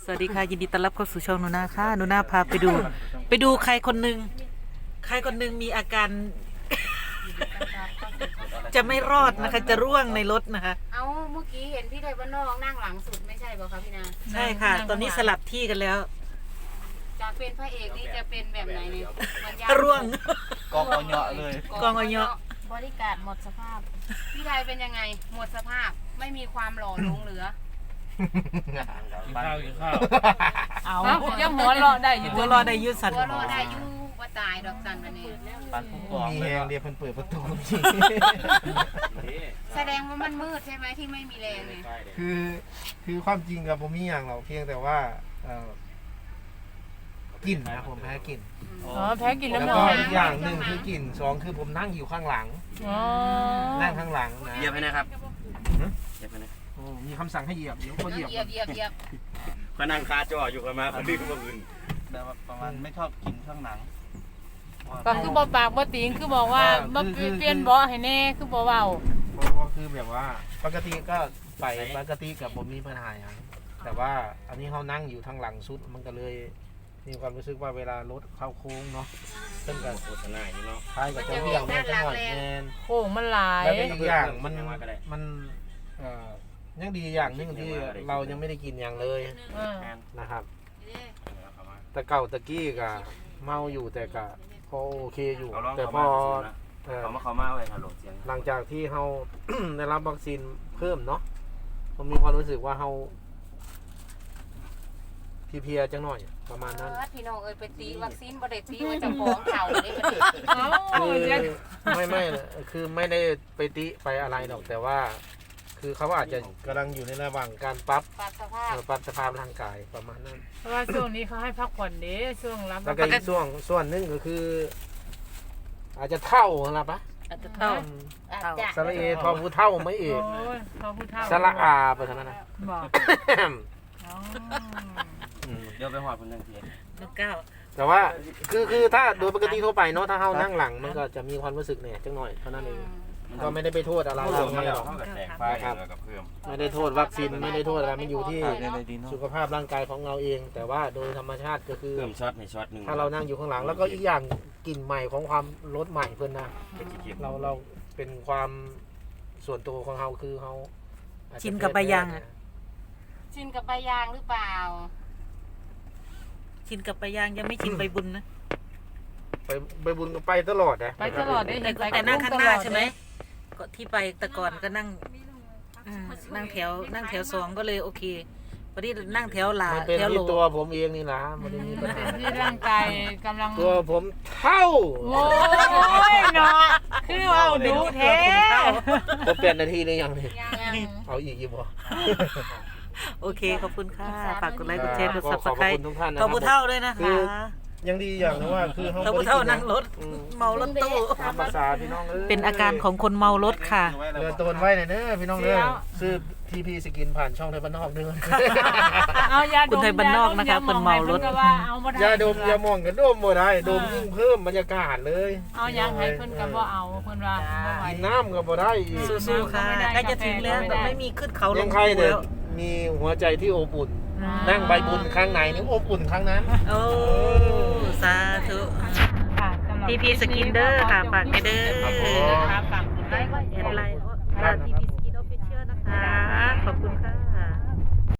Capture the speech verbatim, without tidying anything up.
สวัสดีค่ะยินดีต้อนรับเข้าสู่ช่องหนูนาค่ะหนูนาพาไปดู ไปดูใครคนหนึ่งใครคนหนึ่งมีอาการ จะไม่รอดนะคะ จะร่วงในรถนะคะเอาเมื่อกี้เห็นพี่ไทยบ้านนอกนั่งหลังสุดไม่ใช่ป่ะคะพี่นาใช่ค่ะ ตอนนี้สลับที่กันแล้วจากเป็นพระเอกนี่จะเป็นแบบไหนเนี่ยมันยากร่วงกองเอาเหยาะเลยกองเอาเหยาะบริการหมดสภาพ พี่ไทยเป็นยังไงหมดสภาพไม่มีความหล่อหลงเหลือกินข้าวกินข้าวเอายังหัวเราะได้อยู่หัวรอได้ยืดสันตัวรอได้อยู่ว่าตายดอกสันวันนี้ปันผู้กองมีเลแหยงเดียวเพิ่นเปิดประตูแสดงว่ามันมืดใช่ไหมที่ไม่มีแรงเนี่ยคือคือความจริงกับผมมีอย่างเราเพียงแต่ว่าเอ่อกินนะผมแพ้กินอ๋อแพ้กินแล้วน้ำนก็อนอีกอย่างหนึ่งคือกลิ่นสองคือผมนั่งอยู่ข้างหลังอ๋อนั่งข้างหลังนะเหยียบให้นะครับเหยียบให้นะโอ้มีคำสั่งให้เหยียบเดี๋ยวก็เหยียบเหยียบเหยียบเหยียบก็นั่งคาจออยู่กันมาคนนี้ก็มาอื่นแต่ว่าประมาณไม่ชอบกินข้างหนังก็คือบ่ปากบ่ติงคือบอกว่ามาเปลี่ยนเบาะให้แน่คือบ่เว้าเพราะว่าคือแบบว่าปกติก็ไปปกติกับผมมีปัญหาอย่างแต่ว่าอันนี้เขานั่งอยู่ทางหลังสุดมันก็เลยมีความรู้สึกว่าเวลารถเข้าโค้งเนาะเพิ่นก็โฆษณาอยู่เนาะท้ายก็จะเบี่ยงแม่จังหวะแมนโค้งมันหลายแล้วก็อีกอย่างมันมันเอ่อยังดีอย่างหนึงที่เรายังไม่ได้กินอย่างเลยเออนะครับ แต่เก่าตะกี้ก็เมาอยู่แต่ก็พอโอเคอยู่เขาลองแต่เขาพมาอเเอ่อขามาเขามาไว้ฮัลโหลเสียงหลังจากที่เรา ได้รับวัคซีนเพิ่มเนาะผมมีความรู้สึกว่าเราเพลียๆจังหน่อยประมาณนั้นพี่น้องเอ้ยไปตีวัคซีนบ่ได้ตีว่าจะฟ้องเข่าได้บ่ได้เอ้าคือจะไม่ไม่คือไม่ได้ไปติไปอะไรหรอกแต่ว่า คือเขาอาจจะกำลังอยู่ในระหว่างการปรับปรับสภาพเอ่อปรับสภาพร่างกายประมาณนั้นเพราะว่าช่วงนี้เขาให้พักผ่อนเด้ช่วงรับแล้วก็อีกส่วนส่วนหนึงก็คือ อาจจะเท่าละปะอาจจะเท่าอาจจะสระเอทอผู้เท่าไม่เอโอ้กยเขาผู้เฒ่าสระอาไปเท่านั้นนะบอกอ๋ออืมเดี๋ยวไปหอดคนนึงทีลูกเก้าแต่ว่าคือคือถ้าโดยปกติทั่วไปเนาะถ้าเฮานั่งหลังมันก็จะมีความรู้สึกเนี่ยจังหน่อยเท่านั้นเองก็ไม่ได้ไปโทษอะไรเราเราไม่ไม่หหรรออก กกับแตกไฟกับเพิ่มไม่ได้โทษวัคซีนไม่ได้โทษอะไรมันอยู่ที่ในในดินสุขภาพร่างกายของเราเอง แต่ว่าโดยธรรมชาติก็คือเพิ่มช็อตในช็อตหนึ่งถ้าเรานั่งอยู่ข้างหลัง แล้วก็อีกอย่างกลิ่นใหม่ของความรถใหม่เพิ่นนะเราเราเป็นความส่วนตัวของเราคือเราอาจจะชินกับใบยางอะชินกับใบยางหรือเปล่าชินกับใบยางยังไม่ชินใบบุญนะไปไปบุญก็ไปตลอดนะไปตลอดได้แต่เห็นไปแต่นั่งข้างหน้าใช่ไหมตลอดก็ที่ไปแต่ก่อนก็นั่งอืมนั่งแถวนั่งแถวสองก็เลยโอเคพอดีนั่งแถวหลามันเป็นแถวโหลที่ตัวผมเองนี่นะมันไม่มีปัญหาที่ร่างกายกำลังตัวผมเท่าโอ้ยเนาะคือว่าดูแท้ก็เปลี่ยนนาทีเลยยังนี่ยังเอาอีกอีกบ่โอเคขอบคุณค่ะฝากกดไลค์กดแชร์กดขซัอบบ สขอบไครคุต์ณทุกท่านนะขอบคุณครัเท่าบด้วยนะคืคะอ ยังดีอย่างนึงว่าคือเขาขอบคุณเท่านั่งรถเมารถตู้ตามภาษาพี่น้องเอ้ยเป็นอาการของคนเมารถค่ะเดินตัวไว้หน่อยเด้อพี่น้องเด้อซื้อทีพีสกินผ่านช่องไทยบ้านนอกเด้อเอายาดมคุณไทยบ้านนอกนะคะคนเมารถพิ่นก็ว่าเอาบ่ได้ยาดมยามองกันดมบ่ได้ดมยิ่งเพิ่มบรรยากาศเลยเอายังให้เพิ่นก็บ่เอาเพิ่นว่าบ่ไหวกินน้ำก็บ่ได้อีกสู้ๆค่ะใกล้จะถึงแล้วแต่ไม่มีขึ้นเขาลยังงใครภูเด้แล้อวมีหัวใจที่อบอุ่นนั่งใบบุญครั้งไหนนี่อบอุ่นครั้งนั้นโอ้สาธุค่ะสำหรับทีพีสกินเด้อค่ะฝากให้เด้อครับฝากกดไลค์กดแชแอดร์ไลน์ทีพีสกินออฟฟิเชียลนะคะ ขอบคุณค่ะ